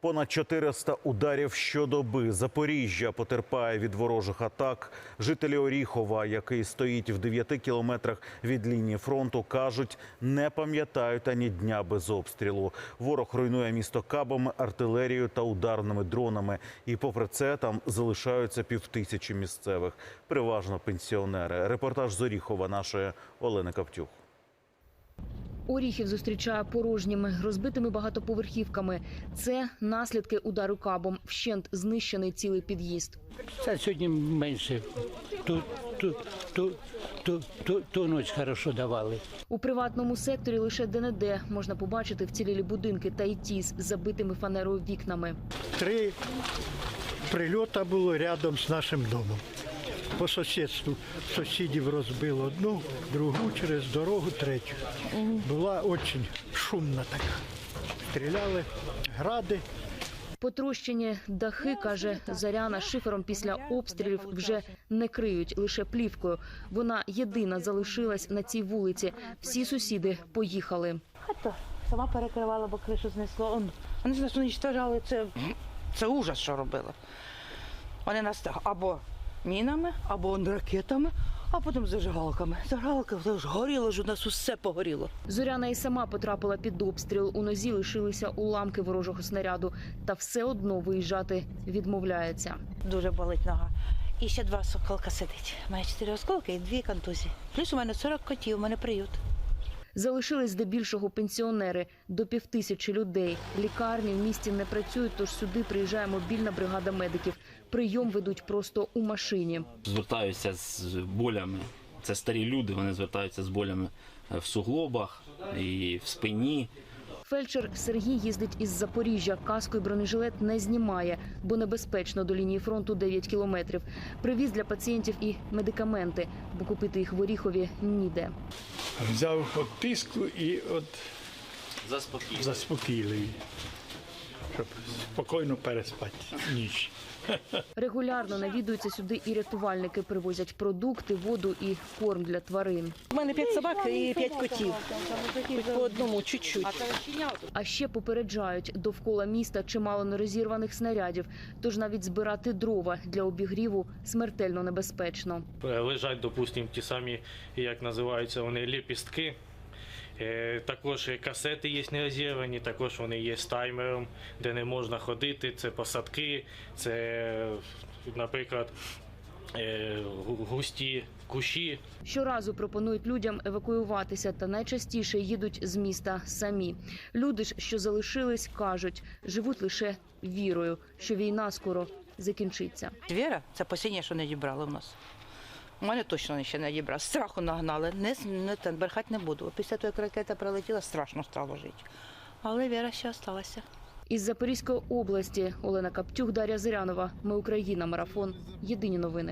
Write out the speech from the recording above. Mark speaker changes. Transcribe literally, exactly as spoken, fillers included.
Speaker 1: Понад чотириста ударів щодоби. Запоріжжя потерпає від ворожих атак. Жителі Оріхова, який стоїть в дев'яти кілометрах від лінії фронту, кажуть, не пам'ятають ані дня без обстрілу. Ворог руйнує місто кабами, артилерією та ударними дронами. І попри це там залишаються півтисячі місцевих, переважно пенсіонери. Репортаж з Оріхова нашої Олени Каптюх.
Speaker 2: Оріхів зустрічає порожніми, розбитими багатоповерхівками. Це наслідки удару кабом. Вщент знищений цілий під'їзд.
Speaker 3: Це сьогодні менше. Ту, ту, ту, ту, ту, ту ніч хорошо давали.
Speaker 2: У приватному секторі лише де-не-де можна побачити вцілілі будинки та й ті з забитими фанерою вікнами.
Speaker 4: Три прильоти було рядом з нашим домом. По сусідству сусідів розбило одну, другу, через дорогу третю. Була дуже шумна така. Стріляли, гради.
Speaker 2: Потрощені дахи, каже Зоряна, шифером після обстрілів вже не криють, лише плівкою. Вона єдина залишилась на цій вулиці. Всі сусіди поїхали.
Speaker 5: Хата сама перекривала, бо кришу знесло. Он, вони нас уничтожали. Це, це ужас, що робили. Вони нас або мінами, або ракетами, а потім зажигалками. Зажигалка ж горіло, ж у нас усе погоріло.
Speaker 2: Зоряна і сама потрапила під обстріл. У нозі лишилися уламки ворожого снаряду. Та все одно виїжджати відмовляється.
Speaker 5: Дуже болить нога. І ще два осколка сидить. У мене чотири осколки і дві контузії. Плюс у мене сорок котів, у мене приют.
Speaker 2: Залишились здебільшого пенсіонери, до півтисячі людей. Лікарні в місті не працюють, тож сюди приїжджає мобільна бригада медиків. Прийом ведуть просто у машині.
Speaker 6: Звертаються з болями. Це старі люди, вони звертаються з болями в суглобах і в спині.
Speaker 2: Фельдшер Сергій їздить із Запоріжжя. Каску і бронежилет не знімає, бо небезпечно, до лінії фронту дев'ять кілометрів. Привіз для пацієнтів і медикаменти, бо купити їх в Оріхові ніде.
Speaker 7: Взяв от тиску і от
Speaker 6: Заспокійливі.
Speaker 7: заспокійливі, щоб спокійно переспати ніч.
Speaker 2: Регулярно навідуються сюди і рятувальники. Привозять продукти, воду і корм для тварин.
Speaker 5: У мене п'ять собак і п'ять котів. По одному чуть-чуть.
Speaker 2: А ще попереджають, довкола міста чимало нерозірваних снарядів. Тож навіть збирати дрова для обігріву смертельно небезпечно.
Speaker 8: Лежать, допустимо, ті самі, як називаються вони, ліпістки. Також касети є нерозірвані, також вони є з таймером, де не можна ходити. Це посадки, це, наприклад, густі кущі.
Speaker 2: Щоразу пропонують людям евакуюватися, та найчастіше їдуть з міста самі. Люди ж, що залишились, кажуть, живуть лише вірою, що війна скоро закінчиться.
Speaker 5: Віра – це останнє, що не дібрали в нас. У мене точно ще не дібрали. Страху нагнали. Не, не, не брехати не буду. Після того, як ракета прилетіла, страшно стало жити. Але віра ще залишилася.
Speaker 2: Із Запорізької області Олена Каптюх, Дар'я Зирянова. Ми Україна. Марафон. Єдині новини.